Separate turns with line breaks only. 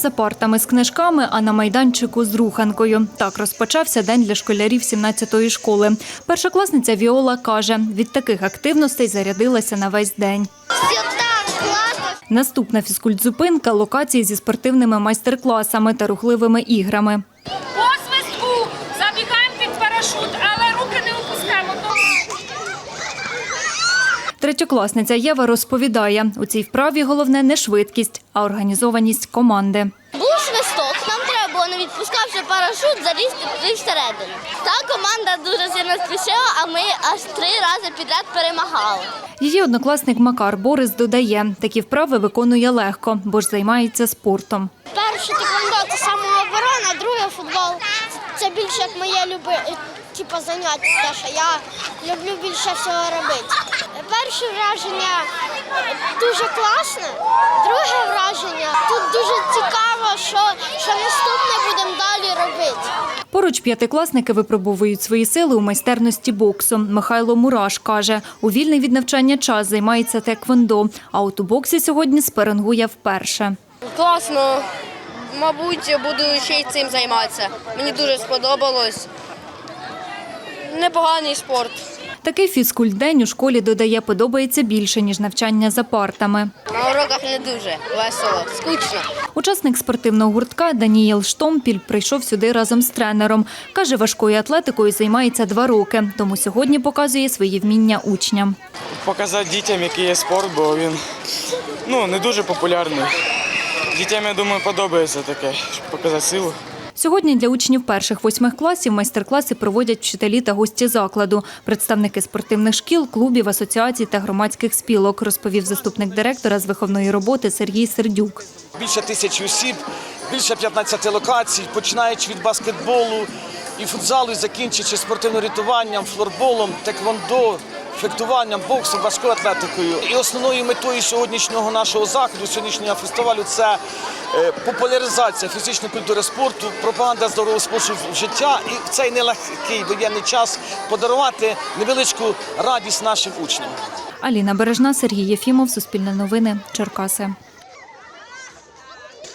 за партами з книжками, а на майданчику з руханкою. Так розпочався день для школярів 17-ї школи. Першокласниця Віола каже, від таких активностей зарядилася на весь день.
Все так класно.
Наступна фізкультзупинка – локації зі спортивними майстер-класами та рухливими іграми.
По свистку забігаємо під парашут, але руки не опускаємо.
Третьокласниця Єва розповідає, у цій вправі головне не швидкість, а організованість команди.
Був свисток, нам треба було, не відпускавши парашут, залізти всередину. Та команда дуже сильно спішила, а ми аж 3 рази підряд перемагали.
Її однокласник Макар Борис додає, такі вправи виконує легко, бо ж займається спортом.
Перше тиквондо – це самооборона, друге футбол. Це більше як моє заняття, те, що я люблю більше всього робити. Перше враження дуже класне, друге враження тут дуже цікаво, що наступне будемо далі робити.
Поруч п'ятикласники випробовують свої сили у майстерності боксу. Михайло Мураш каже, у вільний від навчання час займається теквондо, а от у боксі сьогодні спарингує вперше.
Класно. Мабуть, буду ще й цим займатися. Мені дуже сподобалось. Непоганий спорт.
Такий фізкультдень у школі, додає, подобається більше, ніж навчання за партами.
На уроках не дуже весело, скучно.
Учасник спортивного гуртка Даніїл Штомпіль прийшов сюди разом з тренером. Каже, важкою атлетикою займається 2 роки, тому сьогодні показує свої вміння учням.
Показати дітям, який є спорт, бо він не дуже популярний. Дітям, я думаю, подобається таке, щоб показати силу.
Сьогодні для учнів 1-8 класів майстер-класи проводять вчителі та гості закладу, представники спортивних шкіл, клубів, асоціацій та громадських спілок, розповів заступник директора з виховної роботи Сергій Сердюк.
Більше 1000 осіб, більше 15 локацій, починаючи від баскетболу і футзалу, і закінчуючи спортивним рятуванням, флорболом, теквондо, фехтуванням, боксом, важкою атлетикою. І основною метою сьогоднішнього нашого заходу, сьогоднішнього фестивалю – це популяризація фізичної культури спорту, пропаганда здорового способу життя і в цей нелегкий воєнний час подарувати невеличку радість нашим учням.
Аліна Бережна, Сергій Єфімов, Суспільне новини, Черкаси.